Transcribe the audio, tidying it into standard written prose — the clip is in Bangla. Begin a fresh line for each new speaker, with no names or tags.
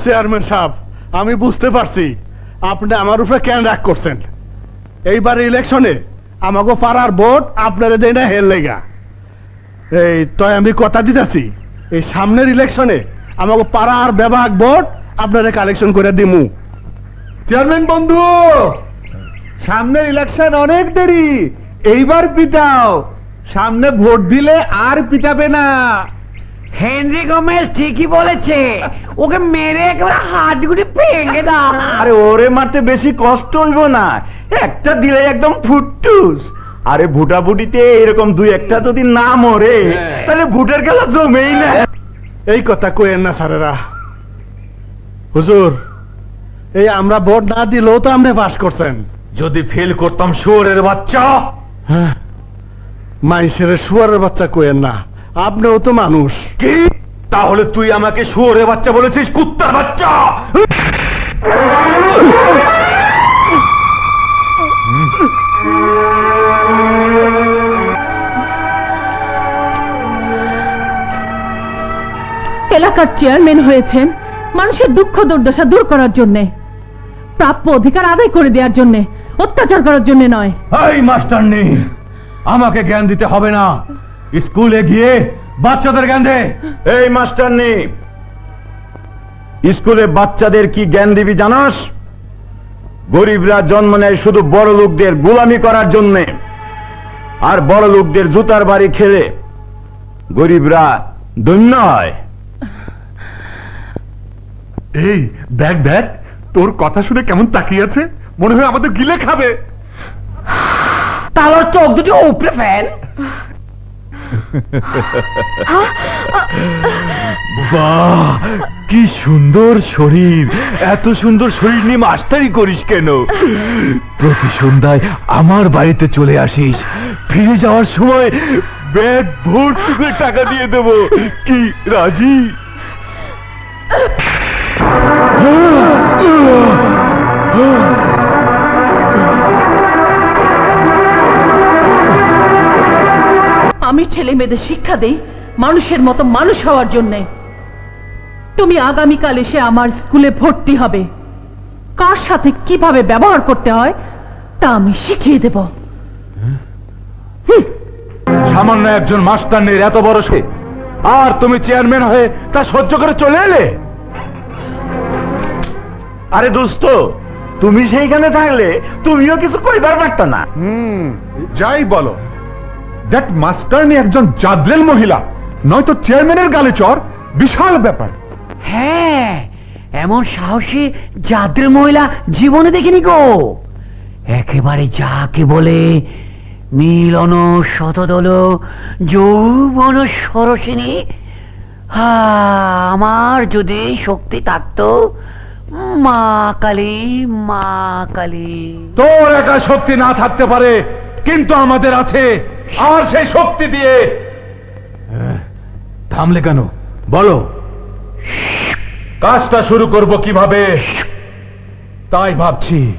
চেয়ারম্যান সাহেব, আমি বুঝতে পারছি আপনি আমার উপরে কেন রাগ করছেন। এইবার ইলেকশনে আমাকে পাড়ার ভোট আপনারা দেয় না হের লেগা। এই তো আমি কথা দিতেছি, এই সামনের ইলেকশনে আমাকে পাড়ার বিভাগ ভোট আপনারা কালেকশন করে দিমু।
চেয়ারম্যান বন্ধু, সামনের ইলেকশন অনেক দেরি, এইবার পিটাও, সামনে ভোট দিলে আর পিটাবে না।
হেনরি গোমেজ ঠিকই বলেছে, ওকে মেরে একেবারে হাতগুলি ভেঙে দাও।
আরে ওরে মারতে বেশি কষ্ট হইব না, একটা দিলে একদম ফুটটুস। আরে ভুটাভুটিতে এরকম দুই একটা যদি না মরে তাহলে ভোটের খেলা জমেই না।
এই কথা কইেন না স্যারেরা। হুজুর, এই আমরা ভোট না দিলেও তো আপনি পাস করছেন।
যদি ফেল করতাম শুয়োরের বাচ্চা।
হ্যাঁ, মাইসের শুয়ারের বাচ্চা কইেন না, আপনিও তো মানুষ।
কি? তাহলে তুই আমাকে শুয়োরের বাচ্চা বলেছিস, কুত্তার বাচ্চা?
এলাকার চেয়ারম্যান হয়েছেন মানুষের দুঃখ দুর্দশা দূর করার জন্য, প্রাপ্য অধিকার আদায় করে দেওয়ার জন্য, অত্যাচার করার জন্য নয়।
এই মাস্টারনি, আমাকে জ্ঞান দিতে হবে না, স্কুলে গিয়ে বাচ্চাদের জ্ঞান দে। এই মাস্টারনি, স্কুলে বাচ্চাদের কি জ্ঞান দিবি জানাস? গরিবরা জন্ম নেয় শুধু বড় লোকদের গোলামি করার জন্য, আর বড় লোকদের জুতার বাড়ি খেলে গরিবরা ধন্য হয়।
এই দেখ দেখ, তোর কথা শুনে কেমন তাকিয়ে আছে, মনে হয় আমাদের গিলে খাবে।
তাহলে চোখ দুটি উপরে ফেল।
বাহ, কি সুন্দর শরীর! এত সুন্দর শরীর নিয়ে মাস্টারি করিস কেন? প্রতি সন্ধ্যায় আমার বাড়িতে চলে আসিস, ফিরে যাওয়ার সময় ব্যাগ ভর্তি করে টাকা দিয়ে দেব। কি রাজি?
আমি ছেলে মেয়েদের শিক্ষা দেই মানুষের মতো মানুষ হওয়ার জন্যে। তুমি আগামীকাল এসে আমার স্কুলে ভর্তি হবে, কার সাথে কিভাবে ব্যবহার করতে হয় তা আমি শিখিয়ে দেব।
সামান্য একজন মাস্টারনির এত বড় সে, আর তুমি চেয়ারম্যান হয়ে তা সহ্য করে চলে এলে? আরে দোস্ত, তুমি সেইখানে থাকলে তুমিও কিছু কইবার পারতা না।
যাই বলো, দ্যাট মাস্টারনি একজন জাদরেল মহিলা, নয়তো চেয়ারম্যানের গালে চর, বিশাল ব্যাপার।
হ্যাঁ, এমন সাহসী জাদ্রের মহিলা জীবনে দেখিনি গো। একেবারে যাকে বলে মিলন শতদল যৌবন সরসিনী। আমার যদি শক্তি থাকতো, মা কালী, মা কালী।
তোর একা শক্তি না থাকতে পারে, কিন্তু আমাদের আছে, আর সেই শক্তি দিয়ে। থামলে কেন বলো, কাজটা শুরু করব কিভাবে তাই ভাবছি।